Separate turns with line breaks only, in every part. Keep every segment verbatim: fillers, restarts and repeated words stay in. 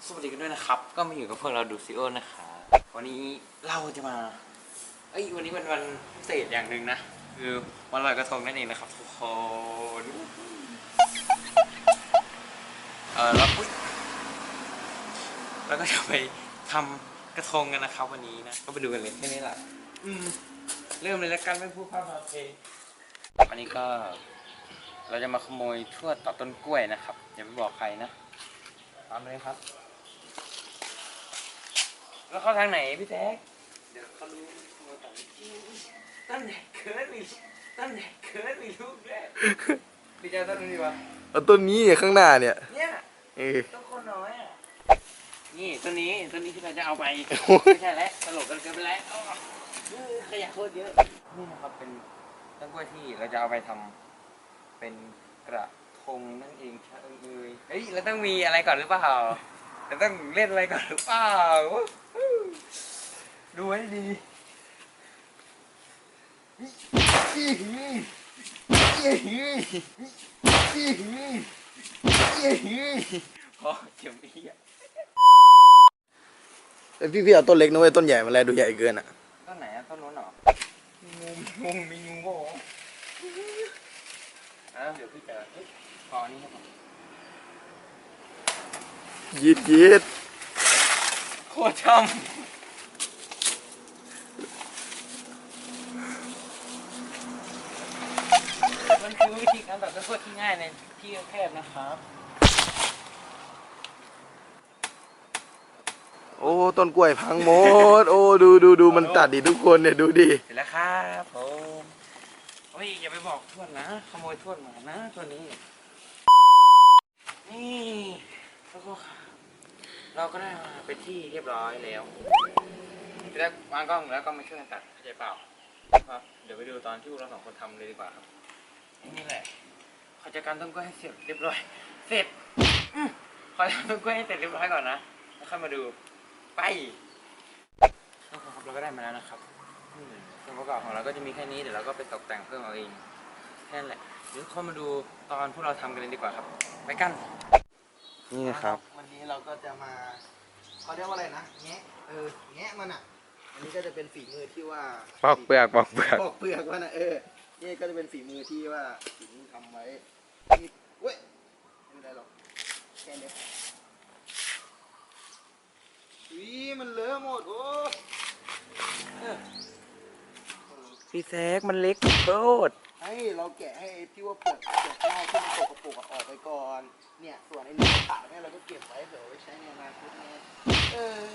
สวัสดีกันด้วยนะครับก็มาอยู่กับพวกเราดูซิโอนะคะวันนี้เราจะมาเอ้ยวันนี้เป็นวันพิเศษอย่างหนึ่งนะคือวันลอยกระทงนั่นเองนะครับทุกคนเออแล้วแล้วก็จะไปทำกระทงกันนะครับวันนี้นะก็ไปดูกันเลยแค่นี้แหละอืมเริ่มเลยแล้วกันไม่พูดพร่ำทำเพลงวันนี้ก็เราจะมาขโมยทวดต่อต้นกล้วยนะครับอย่าไปบอกใครนะตามเลยครับแล้วเข้าทางไหนพี่แท็กเดี๋ยวเขารู้ขโมยต่อตั้งแต่เคิร์ดมีตั้งแต่เคิร์ดมีลูกแรกพี่เจ้าต้นนี้ดีวะ
เอาต้นนี้ข้างหน้าเนี่ย
เนี่ยเออต้นคนน้อยอ่ะนี่ต้นนี้ต้นนี้ที่เราจะเอาไปไม่ใช่แล้วตลกกันเกินไปแล้วขยะโคตรเยอะนี่นะครับเป็นต้นกล้วยที่เราจะเอาไปทำเป็นกระทงนั่นเองใช่เอ้ยเฮ้ยเราต้องมีอะไรก่อนหรือเปล่าเราต้องเล่นอะไรก่อนหรือเปล่าดูให้ดีพอเจ็บพี่อ่ะ
พี่พี่เอาต้นเล็กนะเว้ยต้นใหญ่มันแลดูใหญ่เกินอ่ะ
ต้นไหนอ่ะต้นนู้นเหรองูงูมีงูโง่อ่ะเดี๋ยวพี่จะพออันนี้ครับ
ยีดยีด
โคตรช่ำมันคือวิธีการตัดต้นกล้วยที่ง่ายในที่แคบนะครับ
โอ้ต้นกล้วยพังหมดโอ้ดูดูดูมันตัดดิทุกคนเนี่ยดูดิ
เสร็จแล้วครับผมโอ้ยอย่าไปบอกทวดนะขโมยทวดมานะตัวนี้นี่แล้วก็เราก็ได้มาเป็นที่เรียบร้อยแล้วแล้ววางกล้องแล้วก็มาช่วยกันตัดเข้าใจเปล่าครับเดี๋ยวไปดูตอนที่เราสองคนทำเลยดีกว่าครับนี่แหละขอจัดการต้นกล้วยให้เสร็จเรียบร้อยเสร็จขอทำต้นกล้วยให้เสร็จเรียบร้อยก่อนนะแล้วค่อยมาดูไปครับเราก็ได้มาแล้วนะครับส่วนประกอบของเราก็จะมีแค่นี้เดี๋ยวเราก็ไปตกแต่งเพิ่มเอาเองแค่นั้นแหละเดี๋ยวเข้ามาดูตอนพวกเราทำกันเลยดีกว่าครับไปกันนี่นะครับ
วันนี้เราก็จะมาเขาเรียกว่าอะไรนะแงะเออแงะมันอ่ะอันนี้ก็จะเป็นฝีมือที่ว่า
ปอกเปลือกปอกเปลือก
ปอกเปลือกว่านะเออนี่ก็จะเป็นฝีมือที่ว่าฝีมือทำไว้ที่เว้ยไม่เป็นไรหรอกแค่นี้วิมันเลอะหมดโอ้
พี่แซกมันเล็กโคตร
ให้เราแกะให้ที่ว่าเปลือกเปลือกนอกที่มันตกกระปุกออกไปก่อนเนี่ยส่วนไอ้เนื้อขาเนี่ยเราก็เก็บไว้เผื่อไว้ใช้ในอนาคตไงเออ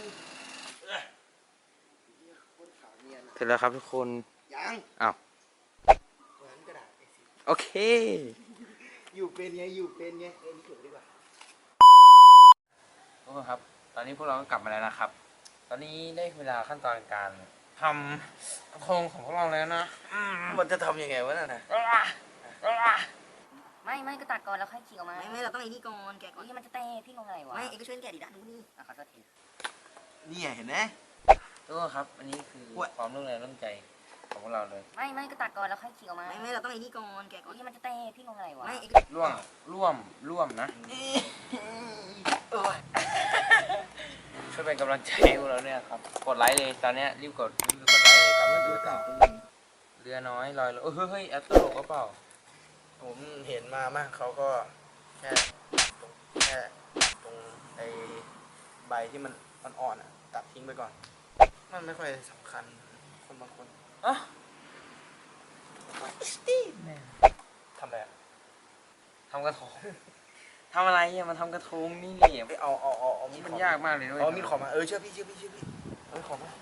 เสร็จแล้วครับทุกคน
ยัง
อ้าว
เหมือนกระดาษ
โอเค
อยู่เป็นไงอยู่เป็นไงเออนี่เก็บดีกว่า
ทุกคนครับตอนนี้พวกเราก็กลับมาแล้วนะครับตอนนี้ได้เวลาขั้นตอนการทำกระทงของพวกเราแล้วนะ
มันจะทำยังไงวะน่ะนะ
ไม่ไม่ก็ตัดก่อนแล้วค่อยขีดออกมา
ไม่ไม่เราต้องไอ้นี่ก่อนแกะก่อน
นี่มันจะเตะพี่งงอะไรวะ
ไม่เอ็กก็ช่วยแกะดิด้านนู้นนี่
อ่ะขอโทษที
นี่เห็นไหม
ทุกคนครับอันนี้คือความร่วมแรงร่วมใจของพวกเราเลย
ไม่ไม่ก็ตัดก่อนแล้วค่อยขีดออกมา
ไม่ไม่เราต้องไอ้นี่ก่อนแกะก่อน
นี่มันจะเตะพี่งงอะไรวะ
ไม่
ร่วมร่วมร่วมนะช่วยเป็นกำลังใจให้พวกเราเนี่ยครับกดไลค์เลยตอนนี้รีบกดรีบกดไลค์เลยกลับมาดูต่อเรือน้อยลอยเออเฮ้ยแอปตลกก็เปล่า
ผมเห็นมามากเขาก็แค่ตรงแค่ตรงไอ้ใบที่มันอ่อนๆอ่ะตัดทิ้งไปก่อนมันไม่ค่อยสำคัญคนบางคน
อ่ะทำอะไรอ่ะทำกระทงทำอะไรอ่ะมันทำกระทงนี่เนี่ย
เอาเอาเอาเอา
มีมันยากมากเลยด้วย
เอามีดขอมาเออเชื่อพี่เชื่อพี่เชื่อพี่เอามีดขอมา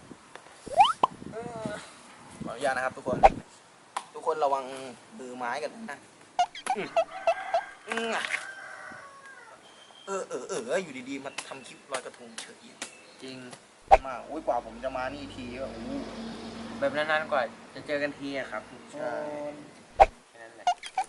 ขออนุญาตนะครับทุกคนทุกคนระวังมือไม้กันนะเออเออเอออยู่ดีๆมาทำคลิปลอยกระทงเฉย
จริง
มากอุ้ยกว่าผมจะมานี่ทีก็โอ้
แบบนานๆกว่าจะเจอกันทีอะครับ
ใช่
แค่นั้นแหละ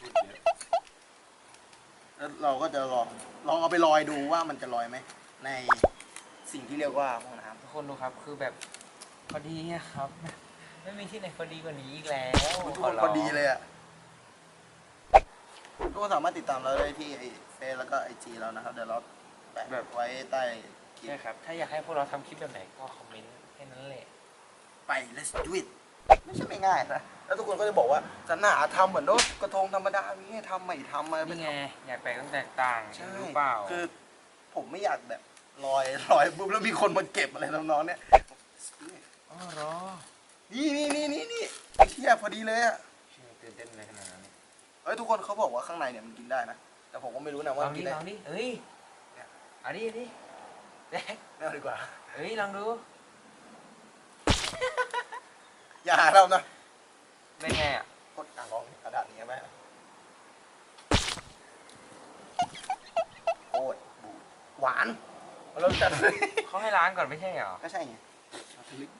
แล้วเราก็จะลองลองเอาไปลอยดูว่ามันจะลอยไหมในสิ่งที่เรียกว่าห้องน้ำ
ทุกคนดูครับคือแบบพอดีครับไม่มีที่ไหนพอดีกว่านี้อีกแล้ว
ทุกคนพอดีเลยอ่ะทุกคนสามารถติดตามเราได้ที่ไอเฟซแล้วก็ไอจีเรานะครับเดี๋ยวเราแปะ
แบบ
ไว้ใต้คลิ
ใช่
ป
ครับ ถ้าอยากให้พวกเราทำคลิปแบบไหนก็คอมเมนต์แค่นั้นแหละ
ไป let's do it ไม่ใช่ไม่ง่ายนะแล้วทุกคนก็จะบอกว่าจะหนาทำเหมือนรถกระทงธรรมดามีให้ทำไม่ทำอะไร
นี่ไง อยากแปลกต้องแตกต่าง
ใช่
รู้เปล่า
คือผมไม่อยากแบบลอยลอยปุ๊บแล้วมีคนมาเก็บอะไรน้องๆเนี่ย
อ๋อเหรอ
นี่นี่นี่นี่นี่ไอ้เที่ยพอดีเลยอ่ะ
ตื่นเต้นอะไรขนาดนั้น
เฮ้ยทุกคนเขาบอกว่าข้างในเนี่ยมันกินได้นะแต่ผมก็ไม่รู้นะ
ล
ว่า
อง
กิ
ดิ
นได้
ลองดิเฮ้ยเอาดิเอาดิแดก
ไม่เอาดีกว่า
เฮ้ยลองดู
อย่าหาเรานะ
เป็นไงอ่ะ
กดอ่างลองกระดาษนี้ไหมโคตรบูดหวานเราจัดเลย
เขาให้ล้างก่อนไม่ใช่เหรอ
ก็ใช่ไงเอาทะลึก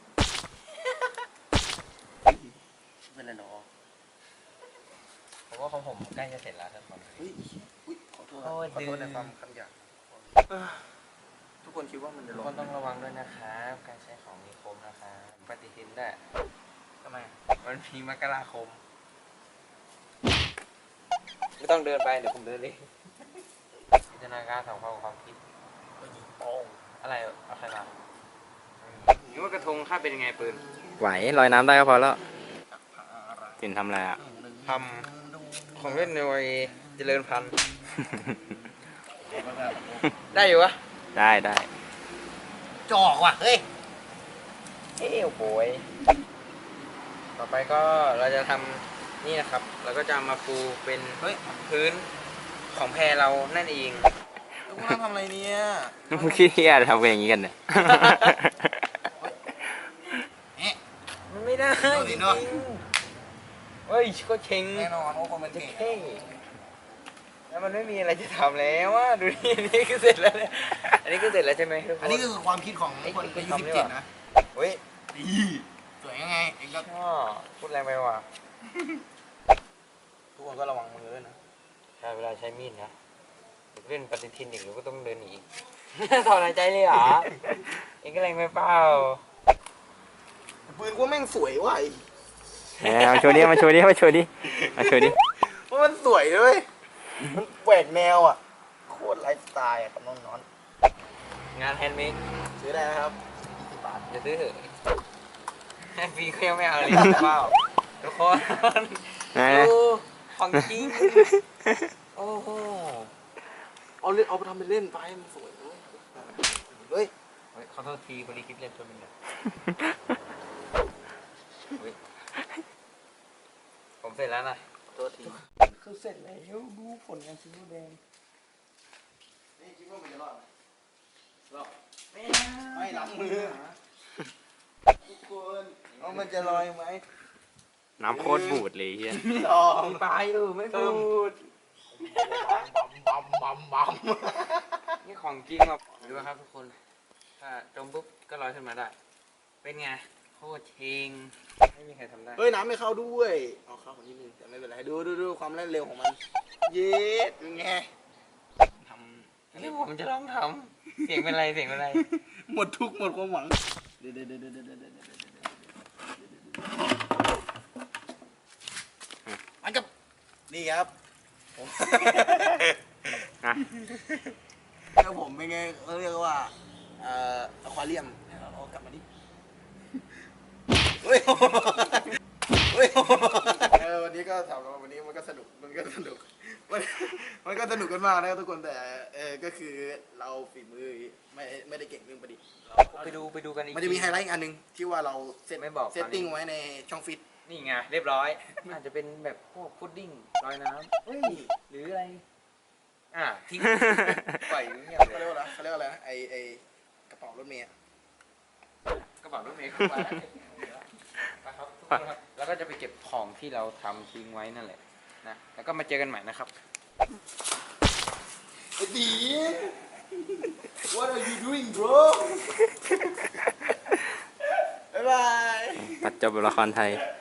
เป็นไรหรอ
ผมว่าของผมใกล้จะเสร็จแล้วทุกคน
เฮ้ยอุ๊ยขอโทษนะ
โอ้ย
ขอโทษใน
ดื้อ
ความคำหยาบเอ้อทุกคนคิดว่ามันจะ
ทุก
ร้อ
คน นต้องระวังด้วยนะครับการใช้ของมีคมนะครับปฏิทินด้วย
ทำไม
มันมีมกราคม ไม่ต้องเดินไปเดี๋ยวผมเดินเองจินตนาการสองความความคิด
ก็ยิงโป้ง
อะไรเอาใครมานึกว่ากระทงค่าเป็นยังไงปืน
ไหวลอยน้ำได้ก็พอแล้วสินทำอะไรอ่ะ
ทำของเล่นในวัยเจริญพันธุ์ ได้อยู่วะ
ได้ได้
จอกว่ะ เฮ้ย
เอ้โหยต่อไปก็เราจะทำนี่นะครับ เราก็จะเอามาปูเป็น
เฮ้ย
พื้นของแพเรานั่นเอง
ทุกคนทำอะไรเนี่ย
มึงคิดที่อะไรทำกันอย่างนี้กันเนี่ย
เอ๊ะ
มันไม่ได้
โดนดิ
จริง
เนอะ
ๆเฮ้ยก็เชง
แน่นอนว่าคนมัน
จะ
เก่ง
เท่แล้วมันไม่มีอะไรจะทำแล้วว่าดูนี่อันนี้ก็เสร็จแล้วเนี่ยอันนี้ก็เสร็จแล้วใช่ไหมทุกคน
อันนี้ก็คือความคิดของ
ไอ้
คน
ไอ้
อายุ
ทำ
สิบ
นี่
เจ็ด
ว่ะ
นะ
เฮ้ย
ดีสวยยังไงเองก็
ชอบพูดแรงไปว่ะ
ทุกคนก็ระวังมือด้วยนะ
ใช่เวลาใช้มีดนะเล่นปฏิทินอีกหรือก็ต้องเดินหนีอีก ถอนหายใจเลยเหรอเองก็แรงไปเปล่า
ปืนกูแม่งสวยว่ะไอ้
แหมมาโชว์ดิมาโชว์ดิมาโชว์ดิมาโชว์ดิ
ว่ามันสวยด้วยมันแหวกแนวอ่ะ โคตรไลฟ์สไตล์อ่ะกับน้องนอน
งานแฮนด์เมด
ซื้อได้นะครับยี่สิบบาท
จะซื้อเถอะให้ฟรีก็ยังไม่เอาเลยเปล่าทุกคน
นะ
ดูของจริงโอ้โห
เอาเล่นเอาไปทำเป็นเล่นไปมันสวยด้วยเฮ้ย
เฮ้ยขอโทษทีบริคิดเล่นตัวนึงเนี่ยเฮ้ยผมเสร็จแล้วนะ
ตัวที
คือเสร็จแล้วดูผลงานชิ้นแดง
นี่คิดว่ามันจะรอดไหมรอด
ไม่
ไม่ล้างมือทุกคนว่ามันจะลอยไหม
น้ำโคตรบูดเลยเฮีย
ลอง
มีปลายอยู่ไม่พูด
บัมบัมบัม
นี่ของจริงครับดูครับทุกคน ถ้าจมปุ๊บก็ลอยขึ้นมาได้ เป็นไงโคตรเชงไม่มีใครทำได้
เฮ้ยน้ำไม่เข้าด้วยเอาเข้าของนิดนึงแต่ไม่เป็นไรดูดูดูความเล่นเร็วของมัน เย็ดเป็นไงท
นี่ผมจะลองทำเสียงเป็นไรเสียงเป็นไร
ำหมดทุกข์หมดความหวังเดี๋ยวเดี๋ยวเดี๋ยวเดี๋ยวเดี๋ยวเดี๋ยวเดี๋ยวมันกับนี่ครับผม
นะ
แล้วผมเป็นไงเขาเรียกว่าเอ่ออควาเรียมเอากลับมาดิเฮ้ยเฮ้ยเออวันนี้ก็ถามว่าวันนี้มันก็สนุกมันก็สนุกมันมันก็สนุกกันมากนะครับทุกคนแต่เออก็คือเราฝีมือไม่ไม่ได้เก่งเรื่องประดิษฐ์เรา
ไปดูไปดูกันอีก
มันจะมีไฮไลท์อีกอันหนึ่งที่ว่าเราเซต
ไม่บอก
เซตติ้งไว้ในช่องฟิต
นี่ไงเรียบร้อย อาจจะเป็นแบบพวกพุดดิ้งลอยน้ำเฮ้ยหรืออะไร อ่ะทิ้งปล่อยเงียบ
เขา
เล
เรีย
ย
กว่าอะไรเขาเรียกว่าอะไรนะไอไอกระเป๋ารถเมล์อะ
กระเป๋ารถเมล์เข้ามาไปครับทุกคนครับแล้วก็จะไปเก็บของที่เราทำทิ้งไว้นั่นแหละนะแล้วก็มาเจอกันใหม่นะครับ
ไอ้ดี What are you doing bro บ๊ายบาย
ตัดจบละครไทย